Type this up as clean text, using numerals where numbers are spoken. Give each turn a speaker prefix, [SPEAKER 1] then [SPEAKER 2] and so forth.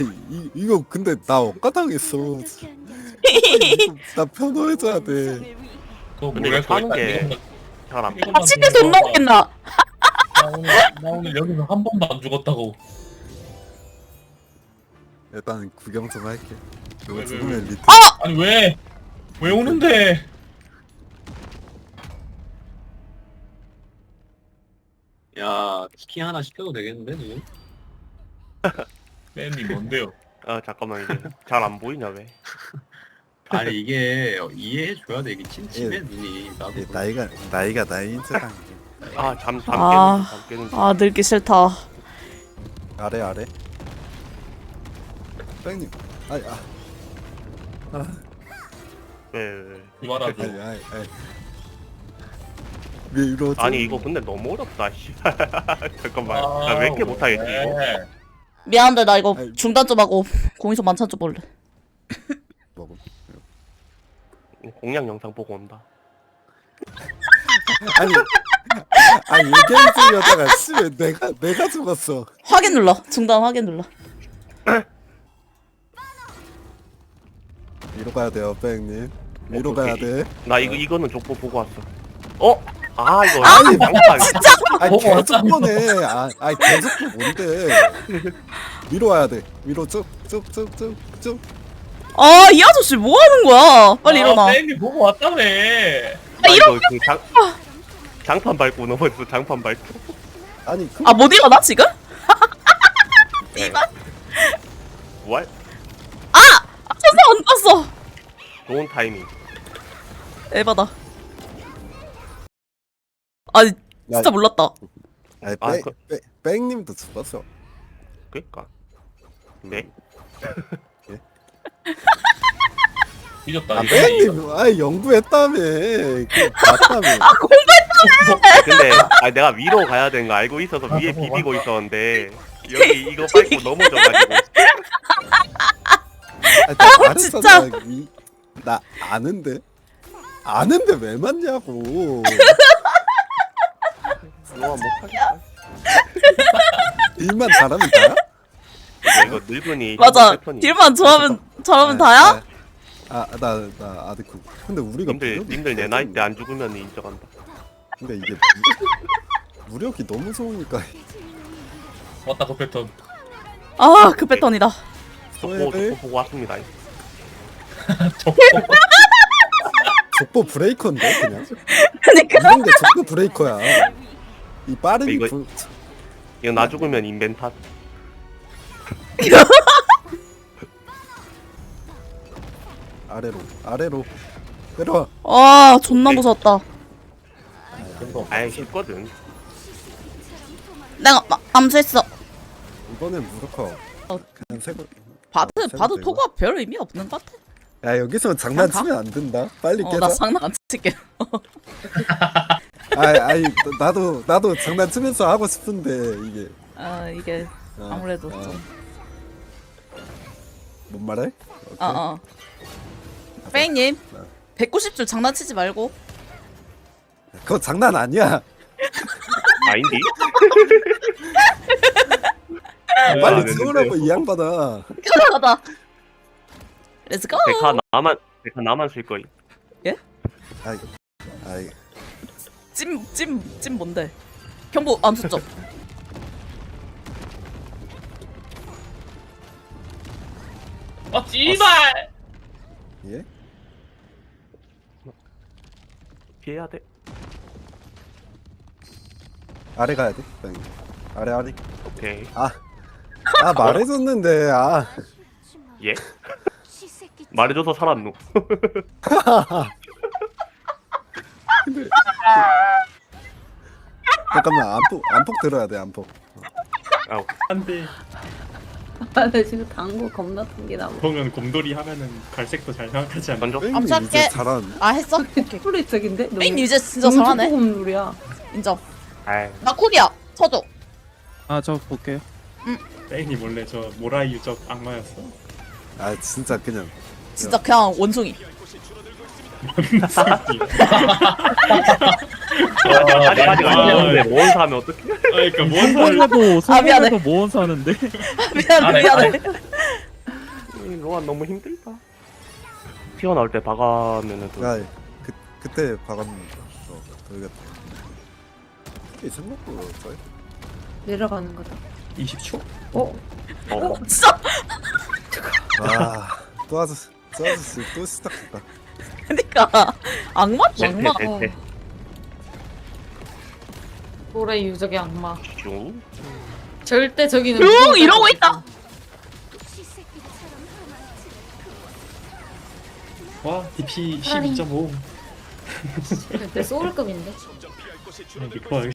[SPEAKER 1] 이거 근데 나 억까당했어. 나 편호해줘야 돼.
[SPEAKER 2] 그거
[SPEAKER 3] 근데
[SPEAKER 2] 뭐랄
[SPEAKER 3] 이거 사는
[SPEAKER 2] 거야.
[SPEAKER 3] 게 잘 안.
[SPEAKER 2] 이것만
[SPEAKER 4] 치킨 돈
[SPEAKER 2] 들어봐.
[SPEAKER 4] 나오겠나?
[SPEAKER 2] 나 오늘 여기서 한 번도 안 죽었다고.
[SPEAKER 1] 일단 구경 좀 할게. 이거
[SPEAKER 2] 왜,
[SPEAKER 1] 죽으면 리트.
[SPEAKER 2] 아니 왜? 왜 오는데?
[SPEAKER 5] 야, 치킨 하나 시켜도 되겠는데, 지금?
[SPEAKER 2] 팬이 뭔데요?
[SPEAKER 3] 아 잠깐만 이게 잘 안 보이냐 왜?
[SPEAKER 5] 아니, 이게 이해해줘야 돼. 이게 침침해,
[SPEAKER 1] 예.
[SPEAKER 5] 눈이. 나도.
[SPEAKER 1] 예, 나이가 나이인 척한 게.
[SPEAKER 3] 아잠
[SPEAKER 4] 아.
[SPEAKER 3] 깨는
[SPEAKER 4] 아 늙기 싫다.
[SPEAKER 1] 아래. 뺑님. 아이
[SPEAKER 3] 왜?
[SPEAKER 2] 이만하죠.
[SPEAKER 1] 아이. 왜 이러지?
[SPEAKER 3] 아니 이거 근데 너무 어렵다 씨. 잠깐만 나 왜 이렇게 못하겠지 이거?
[SPEAKER 2] 왜?
[SPEAKER 4] 미안한데 나 이거
[SPEAKER 1] 아이.
[SPEAKER 4] 중단 좀 하고 공이소 만찬 좀 볼래.
[SPEAKER 1] 먹어.
[SPEAKER 3] 공략 영상 보고 온다.
[SPEAKER 1] 아니 얘기해 주려다가 씨왜 내가 죽었어.
[SPEAKER 4] 확인 눌러. 중단 확인 눌러.
[SPEAKER 1] 위로 가야 돼요, 뺑님. 위로
[SPEAKER 3] 오케이.
[SPEAKER 1] 가야 돼.
[SPEAKER 3] 나 이거는 족보 보고 왔어. 어? 아 이거
[SPEAKER 1] 아니,
[SPEAKER 3] 양파
[SPEAKER 1] 아니
[SPEAKER 2] 보고
[SPEAKER 1] 계속
[SPEAKER 2] 왔다며.
[SPEAKER 1] 보네. 아니 계속 보 뭔데? 위로 와야 돼. 위로 쭉쭉쭉쭉쭉.
[SPEAKER 4] 아 이 아저씨 뭐 하는 거야? 빨리 일어나.
[SPEAKER 2] 팬이 보고 왔다며.
[SPEAKER 3] 아 이거 그 장판 밟고 넘어졌어. 장판 밟고.
[SPEAKER 1] 아니 그
[SPEAKER 4] 아 못 일어나 지금?
[SPEAKER 3] 이발. 뭘?
[SPEAKER 4] 천사 안 떴어.
[SPEAKER 3] 좋은 타이밍.
[SPEAKER 4] 에바다. 아니 진짜
[SPEAKER 1] 야,
[SPEAKER 4] 몰랐다.
[SPEAKER 1] 아니
[SPEAKER 3] 아,
[SPEAKER 1] 뺑님도 죽었어.
[SPEAKER 3] 그니까. 네.
[SPEAKER 2] 뒤졌다.
[SPEAKER 1] 아
[SPEAKER 2] 이거.
[SPEAKER 1] 뺑님, 연구했다며. 그 맞다며.
[SPEAKER 3] 근데 내가 위로 가야 되는 거 알고 있어서 위에 비비고 있었는데 여기 이거 밟고 넘어져가지고.
[SPEAKER 1] 나
[SPEAKER 4] 진짜.
[SPEAKER 1] 말했잖아. 나 아는데 왜 맞냐고.
[SPEAKER 3] 너가 못하겠다.
[SPEAKER 1] 일만 잘하면 다야?
[SPEAKER 3] 이거 늙은이.
[SPEAKER 4] 맞아.
[SPEAKER 3] 패턴이.
[SPEAKER 4] 딜만 잘하면 다야?
[SPEAKER 1] 나 아직 근데 우리가
[SPEAKER 3] 님들 내 나이 때 안 죽으면 인정한다.
[SPEAKER 1] 근데 이게 무력이 너무 좋으니까
[SPEAKER 2] 왔다 그 패턴.
[SPEAKER 4] 아 그 패턴이다.
[SPEAKER 3] 족보 보고 왔습니다.
[SPEAKER 1] 족보 브레이커인데 그냥
[SPEAKER 4] 그니까.
[SPEAKER 1] 이런 게 족보 브레이커야. 이 빠른
[SPEAKER 3] 이거-
[SPEAKER 1] 부...
[SPEAKER 3] 이거 나 죽으면 인벤 탓.
[SPEAKER 1] 아래로 내려와.
[SPEAKER 4] 아 존나 무서웠다.
[SPEAKER 3] 아예 쉽거든.
[SPEAKER 4] 내가 암수했어.
[SPEAKER 1] 이번엔 무력화 그냥 세고
[SPEAKER 4] 봐도 토가 별 의미 없는 것 같아.
[SPEAKER 1] 야 여기서 장난치면 안 된다. 빨리 깨자.
[SPEAKER 4] 나 장난 안 칠게.
[SPEAKER 1] 아니 나도 장난치면서 하고 싶은데 이게
[SPEAKER 4] 아 이게 아무래도 좀.
[SPEAKER 1] 뭔 말해? 오케이.
[SPEAKER 4] 어어. 뺑님 190줄 장난치지 말고.
[SPEAKER 1] 그거 장난 아니야.
[SPEAKER 3] 아닌디?
[SPEAKER 1] 빨리
[SPEAKER 3] 아,
[SPEAKER 1] 채우라고 이 양반아.
[SPEAKER 4] 편하다. 렛츠고.
[SPEAKER 3] 데카 나만 쓸 거임.
[SPEAKER 1] 아이
[SPEAKER 4] 찜 뭔데? 경보 암수 좀.
[SPEAKER 2] 아 씨발.
[SPEAKER 1] 예?
[SPEAKER 3] 피해야 돼.
[SPEAKER 1] 아래 가야 돼. 아래.
[SPEAKER 3] 오케이.
[SPEAKER 1] 말해줬는데
[SPEAKER 3] 예? 말해줘서 살았노.
[SPEAKER 1] 잠깐만 안폭 들어야 돼 안폭.
[SPEAKER 3] 아우.
[SPEAKER 2] 안돼.
[SPEAKER 6] 아, 나 지금 당구 겁나 튕기나.
[SPEAKER 2] 보면 곰돌이 하면은 갈색도 잘 생각하지 않나?
[SPEAKER 3] 던져.
[SPEAKER 1] 뺑님
[SPEAKER 4] 암살게.
[SPEAKER 1] 이제 잘한.
[SPEAKER 4] 아 했어?
[SPEAKER 6] 초콜릿적인데?
[SPEAKER 4] 뺑 이제 진짜 잘하네.
[SPEAKER 6] 곰돌이야.
[SPEAKER 4] 인정.
[SPEAKER 3] 아이.
[SPEAKER 4] 나 쿨이야. 쳐줘.
[SPEAKER 7] 저 볼게요.
[SPEAKER 2] 팬이 원래 저 모라이 유적 악마였어.
[SPEAKER 1] 진짜 그냥
[SPEAKER 4] 진짜 그냥 원숭이.
[SPEAKER 3] 아직 아니었는데 뭔 사면 어떡해?
[SPEAKER 2] 그러니까 뭔
[SPEAKER 7] 이번에도
[SPEAKER 4] 미안해.
[SPEAKER 7] 소문에도 모은 사는데.
[SPEAKER 4] 미안해.
[SPEAKER 3] 그동안 너무 힘들다. 튀어나올 때 박으면은 또
[SPEAKER 1] 야, 그때 박았는 거. 돌겠다. 이게 생각보다 짧.
[SPEAKER 6] 내려가는 거다.
[SPEAKER 7] 20초?
[SPEAKER 6] 어?
[SPEAKER 4] 진짜
[SPEAKER 1] 또 아저씨 또 시작했다.
[SPEAKER 4] 그러니까 악마 악마.
[SPEAKER 3] 대퇴
[SPEAKER 8] 노래 유적의 악마.
[SPEAKER 3] 슝.
[SPEAKER 8] 절대 저기는
[SPEAKER 4] 슝
[SPEAKER 8] 무서운
[SPEAKER 4] 이러고
[SPEAKER 8] 데가
[SPEAKER 4] 있다.
[SPEAKER 7] 와 DP 12.5
[SPEAKER 8] 절대 소울급인데.
[SPEAKER 7] 리콜